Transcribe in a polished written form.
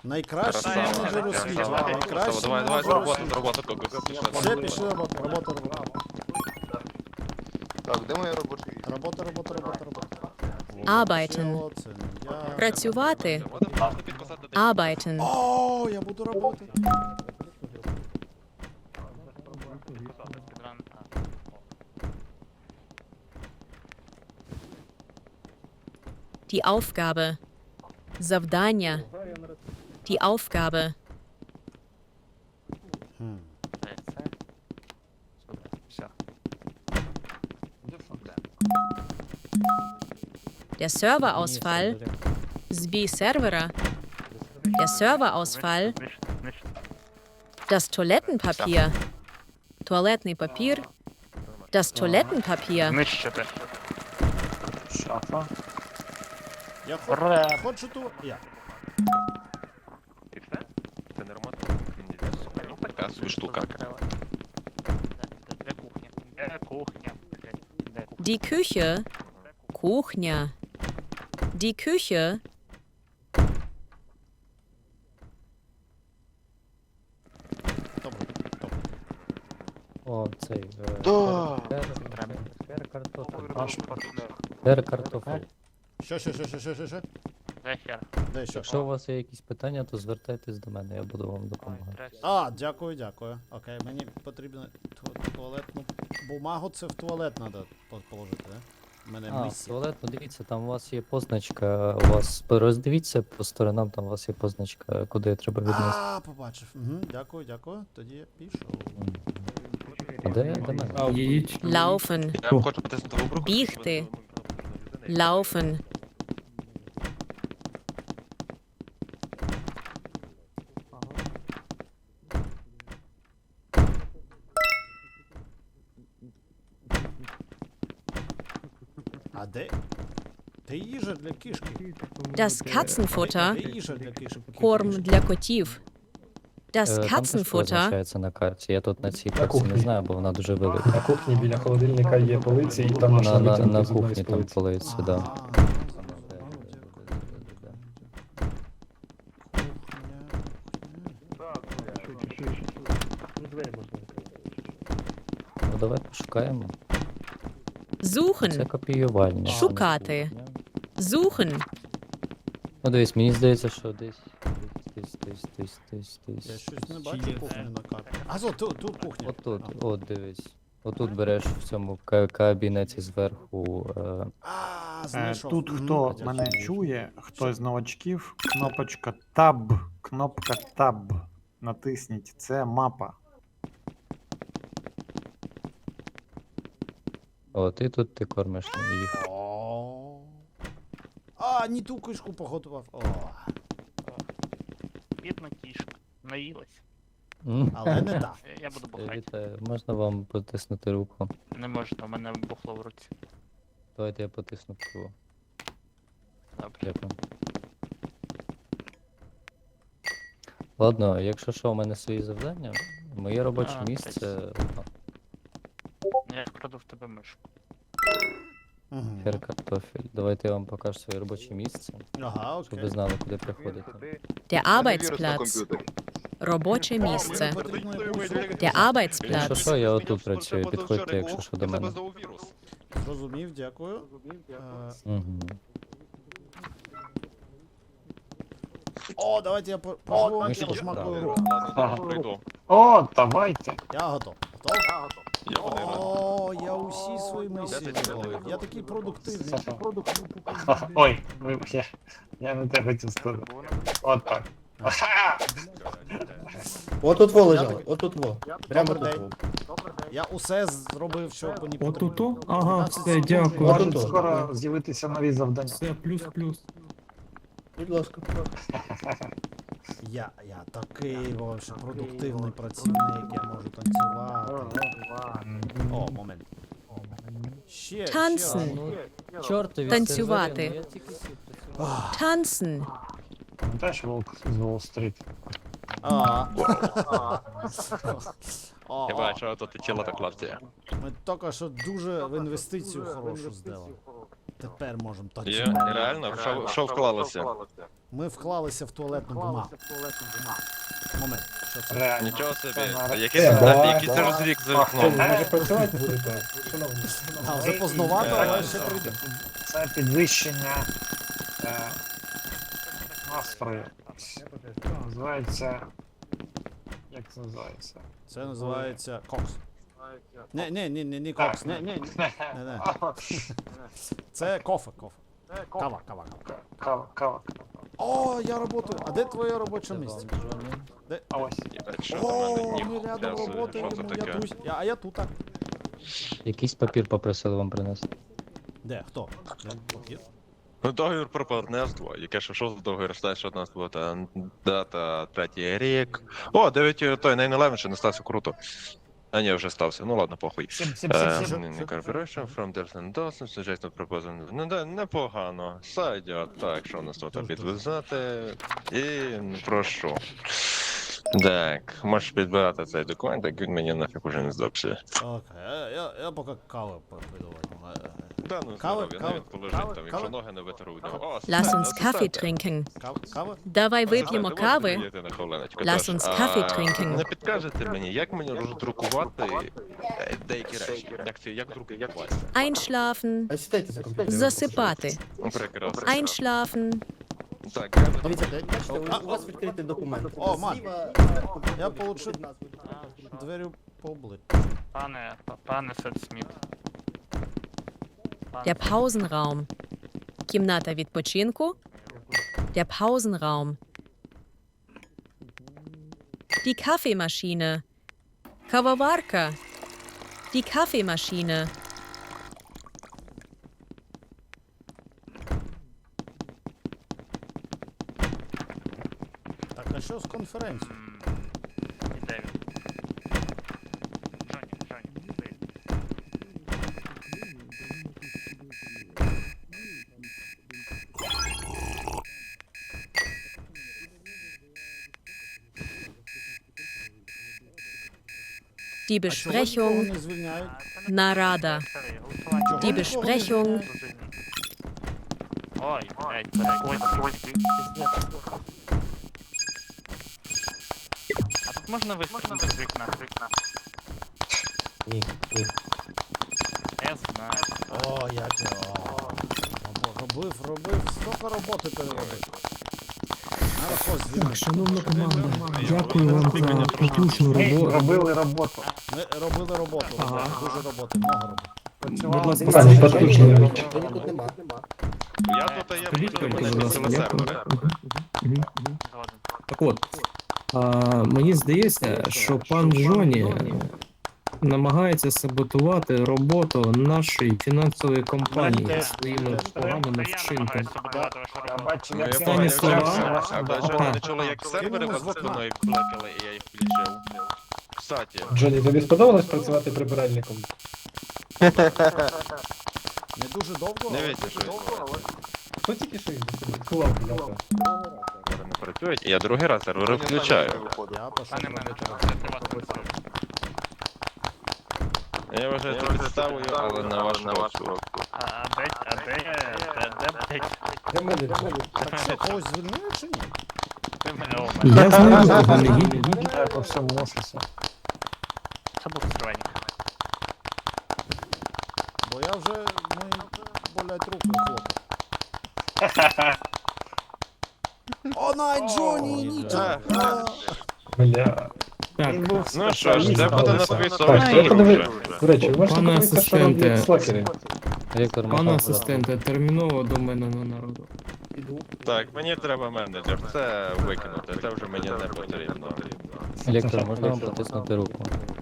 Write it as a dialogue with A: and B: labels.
A: Найкращий
B: Красава.
A: менеджер у світі.
B: Красава.
A: Найкращий
B: Давай,
A: менеджер у
B: робота,
A: світі.
B: робота.
A: Все, пішли робота.
C: Так, де моя робоча?
A: Робота.
D: Arbeiten.
A: Ще оце, я...
D: Працювати. Arbeiten.
A: О, я буду робити.
D: Die Aufgabe. Завдання. Die Aufgabe. Der Serverausfall. Збій сервера. Der Serverausfall. Das Toilettenpapier. Туалетний папір. Das Toilettenpapier.
E: Знищити.
F: Шафа.
A: Я хочу ту... Я.
B: І все? Це не роман? Ну, така собі штука.
E: Де кухня? Де кухня? Де кухня?
D: Die Küche. Кухня. Die Küche.
A: Добре.
G: О, цей.
C: Да.
G: Картофель.
A: Що?
E: Де хер?
A: Де що?
G: Якщо у вас є якісь питання, то звертайтесь до мене, я буду вам допомагати.
A: А, дякую. Окей, мені потрібно туалетну бумагу, це в туалет треба положити, да? У мене
G: А,
A: місія.
G: туалет, ну дивіться, там у вас є позначка, у вас роздивіться по сторонам, там у вас є позначка, куди треба віднести.
A: А, побачив. Дякую. Тоді я пішов.
G: Де мене?
D: Laufen.
B: Я хочу потиснути в обрух.
D: Бігти. Laufen.
A: А де? Де їжа для кішки?
D: Das
A: Де
D: Katzenfutter.
A: їжа для кішки?
D: Корм для котів. Das
G: Там теж
D: Katzenfutter.
G: позначається на карті, я тут на цій карті не знаю, бо вона дуже велика.
F: На кухні біля холодильника є полиці, і там можна
G: На
F: витягнути з одної
G: кухні
F: з
G: там
F: полиць.
G: полиці, да. Ну давай пошукаємо. Це
D: Suchen.
G: копіювальня.
D: Шукати. Suchen.
G: Ну дивись, мені здається, що десь.
A: Я щось не бачу кухню на карті. А, тут кухня.
G: Отут, от дивись. Отут береш в цьому кабінеті зверху.
A: Знайшов.
H: Тут
A: Мгм.
H: хто мене чує, хто з новачків, кнопочка Tab, кнопка Tab. Натисніть, це мапа.
G: От, і тут ти кормиш їх.
A: О. А, не ту кишку поготував. О.
E: Бідна кішка. Наїлась.
A: Але не так.
E: Я буду бухати.
G: Вітаю, можна вам потиснути руку?
E: Не можна, у мене бухло в руці.
G: Давайте я потисну руку.
E: Добре.
G: Дякую. Ладно, якщо що, у мене свої завдання, моє робоче
E: А,
G: місце.
E: Я вкраду в тебе мишку.
A: Мгм.
G: Хер картофель. Давайте я вам покажу своє робоче місце,
A: Ага,
G: щоб
A: окей.
G: ви знали, куди приходити.
D: Der
C: У мене вірус на
D: Arbeitsplatz.
C: комп'ютері.
D: Робоче
A: Мені
D: місце.
A: потрібно якусь-
D: Der
G: Якщо
D: Arbeitsplatz.
G: що, я отут працюю, підходьте, якщо що до мене.
A: Зрозумів, дякую.
G: Угу.
A: О, давайте я пожму
G: Ми ще
A: пошмакую
G: чекали.
A: руку.
F: Ага.
B: Пройду.
F: О, давайте.
A: Я готов. Готов?
B: Я подивлюсь.
A: О, я усі свої місії
B: Де ти
A: зробив.
B: чоловік?
A: Я такий продуктивний.
F: Ой, вибач, я не те хотів сказати. От так.
I: Отут во лежало, отут во. Прямо
A: Добрий
I: тут
A: день.
I: во.
A: Я усе зробив, що мені потрібно.
J: Отут-то? Ага,
A: 15
J: все,
A: секунд.
J: дякую.
F: Можуть
I: Отут.
F: скоро з'явитися нові завдання.
J: Все, плюс-плюс.
I: Будь ласка.
A: Я такий вообще продуктивний працівник, я можу танцювати. О, момент. Ще
D: Танцен.
G: Ну, чортові
D: Танцювати.
G: сервери, ну я тільки сів працював.
D: Tanzen.
F: Пам'ятаєш волк з Уолл-стріт?
B: Я бачу, а то ти тіло так лавці.
A: Ми тільки що дуже в інвестицію хорошу здали. Тепер можемо точно.
B: Є, реально, що вклалося?
A: Ми вклалися в туалетну бумагу. Момент, що це?
F: Реально.
B: Нічого собі.
F: Це
B: Який
F: да.
B: це розрік за вікном?
I: Може працювати будете? Шановні.
A: А, вже поздновато, але ще прийде.
F: Це підвищення настрою. Називається. Як це називається?
A: Це називається кокс. Не кокс. Не. Це кофе. Кава.
F: Кава.
A: О, я работаю. А де твоє робоче місце?
F: А ось.
B: Що до мене
A: О,
B: ніг
A: ми рядом
B: трясує,
A: работаємо,
B: що це
A: я
B: таке?
A: тут. А я тут.
G: Якийсь папір попросили вам принести.
A: Де? Хто? Папір?
B: Ну, договір про партнерство, яке що в договір стає, що у нас була та дата 3-й рік. О, 9 той 9/11 ще не стався круто. А ні, вже стався. Ну ладно, похуй.
F: Сім.
B: Не corporation from Dersen Dawson, suggest not proposal. Ну да, непогано. Сайдять. Так, що у нас тут підв'язати? І прошу. Так, можеш підбирати цей документ, як він мені нафіг уже не здався.
A: Окей, я поки кави піду.
B: Да, ну
A: Кава,
B: здоров'я,
A: кава,
B: навіть положить
A: кава,
B: там, якщо
A: кава.
B: ноги не витеру у нього. О,
D: Lass
B: асистент,
D: uns Kaffee
B: асистент.
D: trinken.
A: Кава?
D: Давай вип'ємо
B: Можете
D: кави.
B: підійти на хвилиночку?
D: Lass
B: Тож,
D: uns Kaffee trinken.
B: Не підкажете мені, як мені роздрукувати деякі речі? Як друкувати?
D: Einschlafen.
I: А сідайте за комп'ютер.
D: Засипати.
B: Прекрасно.
D: Einschlafen.
B: Так, я
I: Дивіться, бачите, у вас відкритий документ.
A: О, ман.
I: Зліва,
A: Я получив дверю по обличчю.
E: Пане Сет-Сміт.
D: Der Pausenraum. Кімната відпочинку. Der Pausenraum. Die Kaffeemaschine. Kawawарка. Die Kaffeemaschine.
A: Так, а що з конференцією?
E: Іде він. Джоні, іди.
D: Die
A: А чого нікого
D: Besprechung.
A: не звільняють?
D: Нарада.
A: Чого
D: Die
A: нікого не
D: Besprechung.
A: звільняють?
E: Ой, ой. А тут можна вистрілити з вікна?
I: Ні.
E: Я знаю.
A: О, як я. Робив, стільки роботи переробив. Надо хоч звільнити.
J: Шановна команда, дякую вам за потужну
F: Ми
J: роботу.
F: робили роботу.
A: Ми робили роботу,
J: Ага.
A: дуже роботи, много роботи.
J: Будь ласка,
I: Дивіться,
J: скажіть,
I: Жені
J: потужно.
I: тут нема.
B: Я тут, а я
J: Скажіть,
B: буду
J: будь
B: мене
J: ласка,
B: на
J: дякую.
B: сервери.
J: Мгм.
E: Згоден.
J: Так от, мені здається, що пан Джоні намагається саботувати роботу нашої фінансової компанії своїми поганими вчинками.
F: Я бачу, як
J: Останні
F: це
J: слова.
F: ваша
B: А
J: Ага.
B: ви не чули, як сервери
A: Кинули
B: вас
A: з вікна.
B: спиною кликали, і я їх включив? Кстати,
I: Джоні, тобі сподобалось працювати прибиральником?
A: Не дуже довго,
B: не
A: але
B: віться, що відбувається.
I: Хто тільки що відкував, бляха?
B: Сервери не працюють, і я другий раз сервери включаю.
A: я пішов.
E: Пане менеджер, це приватний сервер.
B: Я вважаю це підставою, але на ваш розсуд.
E: А де?
I: Для мене.
A: Так що, когось звільнили чи ні?
E: Ти мене у мене.
J: Я знаю, кого не гідні.
F: Я по всьому офісі.
E: Це був стройник.
A: Бо я вже, болять руки, хлопець. О, най, Джоні, нічого.
F: Бля.
J: Так,
B: Ну що ж, де буде на твій
F: Так,
B: совісті,
F: я подивлюсь.
B: друже?
I: До речі, ви можете
J: Пане
I: подивитися, що роблять
J: асистенте.
I: слакери?
G: Віктор
J: пане
G: Михайлович.
J: асистенте, терміново до мене на народу.
I: Піду.
B: Так, мені треба менеджер, це викинути, це вже мені не потрібно.
G: Віктор, можна вам потиснути руку?